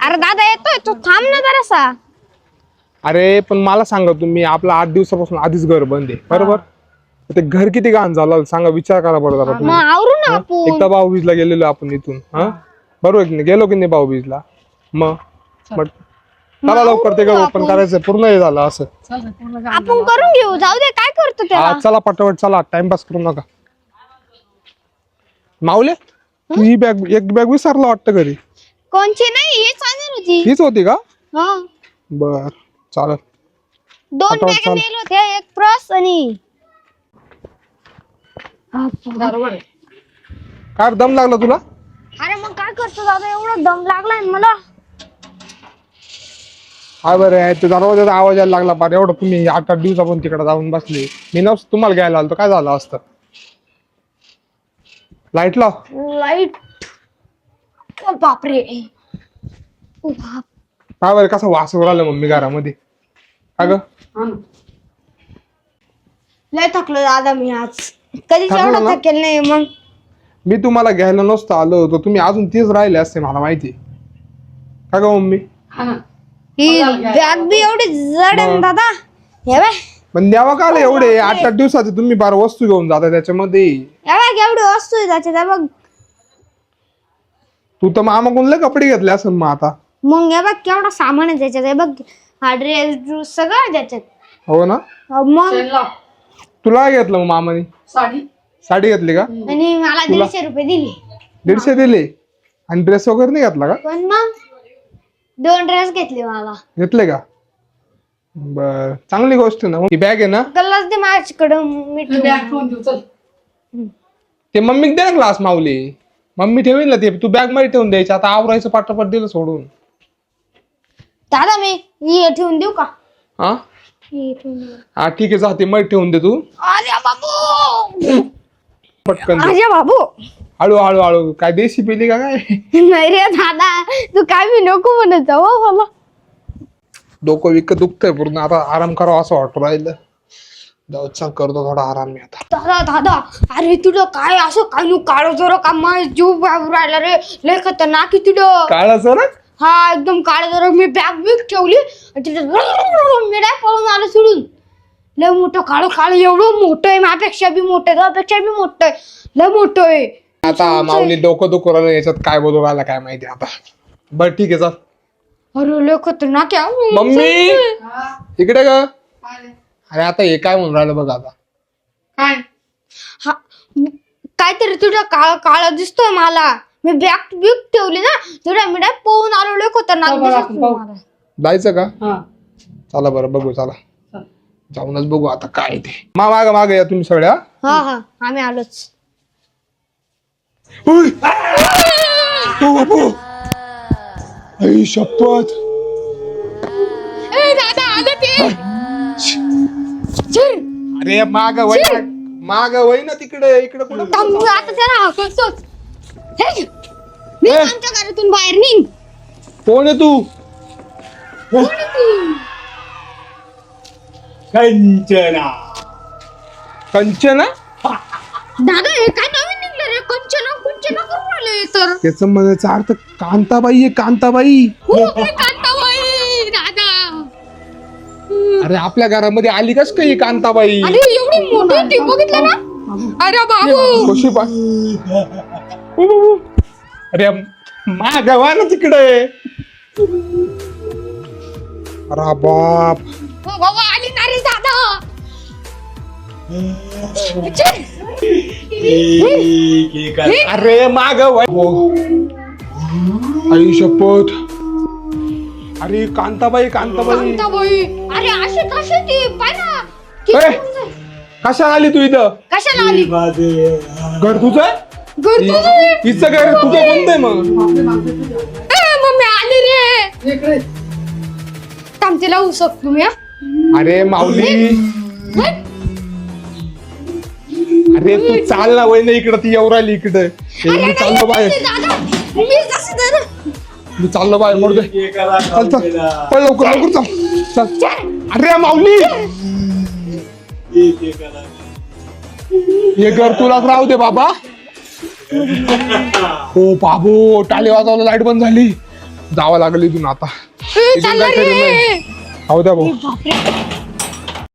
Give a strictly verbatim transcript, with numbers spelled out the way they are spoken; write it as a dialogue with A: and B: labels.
A: अरे दादा येतोय तू थांब ना जरासा.
B: अरे पण मला सांगा तुम्ही, आपलं आठ दिवसापासून आधीच घर बंद आहे बरोबर. ते घर किती घाण झालं सांगा, विचार करा बरं जरा
A: मग
B: तुम्ही.
A: आवरू ना
B: हा?
A: आपण.
B: एकदा भाऊबीजला गेलेलो आपण इथून, हा बरोबर की नाही, गेलो की नाही भाऊबीजला. मग मग चला लवकर ते घर ओपन करायचं, पूर्ण हे झालं असं.
A: आपण करून घेऊ, जाऊ दे काय करतो त्याला.
B: हा चला पटापट चला, टाइमपास करू नका. माऊले तू ही बॅग, एक बॅग विसरला वाटतं घरी.
A: कोणची नाही, ही चांगली होती.
B: हीच होती का?
A: हा
B: बर चालेल.
A: दोन
B: पटापट
A: बॅग
B: चाल.
A: नेले होते, एक पर्स आणि
B: काय दम लागला तुला?
A: अरे मग काय करतो दादा, एवढा दम लागलाय मला.
B: हा बरं आहे, ते दरवाजाचा आवाज यायला लागला पार. एवढं तुम्ही आठ आठ दिवसापासून तिकडे जाऊन बसले, मी नव्हतं तुम्हाला घ्यायला आलो तर काय झालं असतं. लाईट लाव.
A: लाईट. ओ बापरे. ओ बाप.
B: काय बरं कसं वास राहिलं मम्मी घरामध्ये. का ग
A: लय थकलो दादा मी आज, कधीच
B: थकलो
A: एवढा
B: ना?
A: थकेल नाही. मग
B: मी तुम्हाला घ्यायला नसतं आलो तर तुम्ही अजून तीच राहिले असते मला माहिती. का ग मम्मी?
A: ही बॅग बी एवढी जड आहे ना दादा. हे बाय
B: पण द्यावा का आलं एवढे आठ आठ दिवसाचे तुम्ही बारा वस्तू घेऊन जाता त्याच्यामध्ये.
A: हे बघ एवढी वस्तू आहे त्याच्यात. हे बघ
B: तू तर मामाकडून लय कपडे घेतले असेल मग आता.
A: मग हे बघ केवढा सामान आहे त्याच्यात. हे बघ हा ड्रेस ड्रूस सगळं त्याच्यात.
B: हो ना.
A: मग
B: तुला काय घेतलं मग मामाने?
C: साडी.
B: साडी घेतली का?
A: आणि मला दीडशे रुपये दिले.
B: दीडशे दिले आणि ड्रेस वगैरे नाही घेतला का?
A: पण मग दोन ड्रेस घेतले मला.
B: घेतले का? बर चांगली गोष्ट ना. ही बॅग आहे ना,
A: कल्लाच दे माझ्याकडं. मी
C: बॅग ठेवून देऊ चल.
B: ते मम्मीक दे ना ग्लास माऊली. मम्मी ठेवील ना ते, तू बॅग मध्ये ठेवून द्यायची. आता आवरायचं पाठापाठ दिलं सोडून.
A: दादा मी हे ठेवून देऊ का?
B: हा
A: हे ठेवून देऊ.
B: हा ठीक आहे, जाते मध्ये ठेवून दे तू
A: अरे बाबू.
B: पटकन दे.
A: अरे बाबू.
B: हळू हळू हळू. काय देशी पिली का काय?
A: नाही रे दादा, तू काय मी नको म्हणत जाऊ हो मला.
B: डोकं विक दुखतंय पूर्ण. आता आराम करावा असं वाटू राहिलं. जाऊ चल करतो थोडा आराम मी आता.
A: दादा दादा अरे तुला काय असं काय नु काळं जर का माझ जीव बाहेर राहिला रे. लय खतरनाक आहे तुला.
B: काळाचं ना.
A: हा एकदम काळं जर. मी बॅग बिग ठेवली आणि तिथे मी नाही पळून आलो सोडून. लय मोठं काळं काळं, एवढं मोठं आहे माझ्यापेक्षा बी मोठं आहे, त्यापेक्षा बी मोठं आहे, लय मोठं आहे.
B: आता माऊली डोकं दुखू राहिलं, याच्यात काय बोलू राहिला काय माहिती आता. बर ठीक आहे चल.
A: अरे लय खतरनाक आहे.
B: मम्मी
C: हा.
B: इकडे ग.
C: काय?
B: अरे आता हे काय म्हणून राहिलं बघ आता.
C: काय?
A: हा काहीतरी तुझं काळ काळ दिसतोय मला. मी बॅग बिग ठेवली ना, तुझ्या मी नाही पळून आलो. लय खतरनाक
C: बघू आपण,
A: दिसतोय
C: बघू.
A: मला.
B: जायचं का?
C: हा.
B: चला बरं बघू चला.
C: चल.
B: जाऊनच बघू आता काय ते. मा माग माग या तुम्ही सगळ्या.
A: हा हा आम्ही आलोच.
B: उय! ओ बापू! आई शपथ.
A: ए दादा आलं ते. चल
B: अरे माग वय ना, माग वय ना तिकडे. इकडे कुठं
A: थांब, आता त्याला हाकलतोच. हे घे. निघ
B: ए!
A: आमच्या घरातून बाहेर निघ.
B: कोण आहे तू?
D: कंचना.
B: कंचना.
A: दादा हे काय नवीन निघलं रे. कंचना कुंचना करून आलोय तर.
B: त्याच म्हणायचा अर्थ कांताबाई आहे. कांताबाई.
A: हो मी कांताबाई दादा.
B: अरे आपल्या घरामध्ये आली कस काही कांताबाई?
A: अरे एवढी मोठी टी बघितलं ना. अरे बाबू.
B: कशी पा अरे माग वा ना तिकडे. अरे बाप.
A: हो बाबा आली ना रे दादा. चल.
B: अरे माग वय. आई शपथ. अरे कांताबाई कांताबाई.
A: कांताबाई. अरे अशी कशी ती पाय ना.
B: ए, कशाला आली तू इथं?
A: कशाला आली?
B: घर तुझं?
A: घर तुझं आहे?
B: तिचं घर तुझं कोणतं आहे मग?
A: ए मम्मी आली रे.
C: इकडे.
A: थांब तिला उसक तुम्ही हा.
B: अरे माऊली. अरे तू चाल ना वय ना इकडं. ती येऊ राहिली इकडे. मी चाललो बाहेर.
A: दादा मी कसं दादा.
B: मी चाललो बाहेर. मोर दे. चल चल पळ लवकर लवकर चल चल. अरे माऊली हे घर तुलाच राहू दे बाबा. हो बाबू टाळी वाजवलं. लाईट बंद झाली. जावं लागलं इथून आता.
A: ए,
B: इथून
A: चालला
B: काय खरं
A: रे
B: नाही. हो द्या भाऊ.
A: बापरे